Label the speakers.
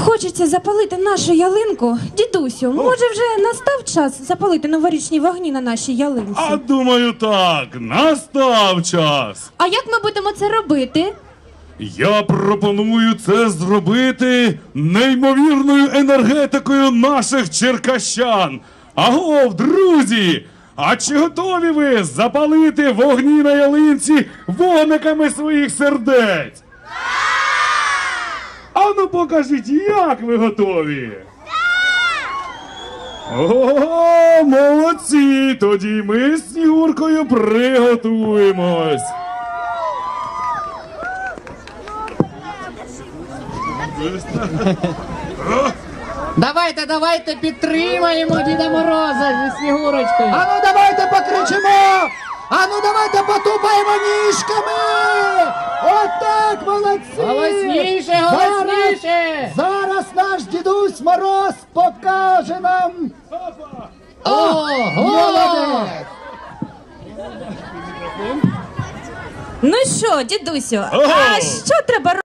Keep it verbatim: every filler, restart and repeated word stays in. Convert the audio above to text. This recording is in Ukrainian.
Speaker 1: хочеться запалити нашу ялинку. Дідусю, може вже настав час запалити новорічні вогні на нашій ялинці?
Speaker 2: А думаю так, настав час.
Speaker 1: А як ми будемо це робити?
Speaker 2: Я пропоную це зробити неймовірною енергетикою наших черкащан. Агов, друзі! А чи готові ви запалити вогні на ялинці вогниками своїх сердець? Ану покажіть, як ви готові? О, молодці! Тоді ми з Снігуркою приготуємось.
Speaker 3: Давайте, давайте підтримаємо Діда Мороза зі Снігурочкою.
Speaker 4: А ну давайте покричимо! А ну давайте потупаємо ніжками! Отак, молодці!
Speaker 3: Голосніше, голосніше!
Speaker 4: Зараз, зараз наш дідусь Мороз покаже нам!
Speaker 3: Ого!
Speaker 4: Молодець!
Speaker 1: Ну що, дідусю,
Speaker 2: Ого!
Speaker 1: а що треба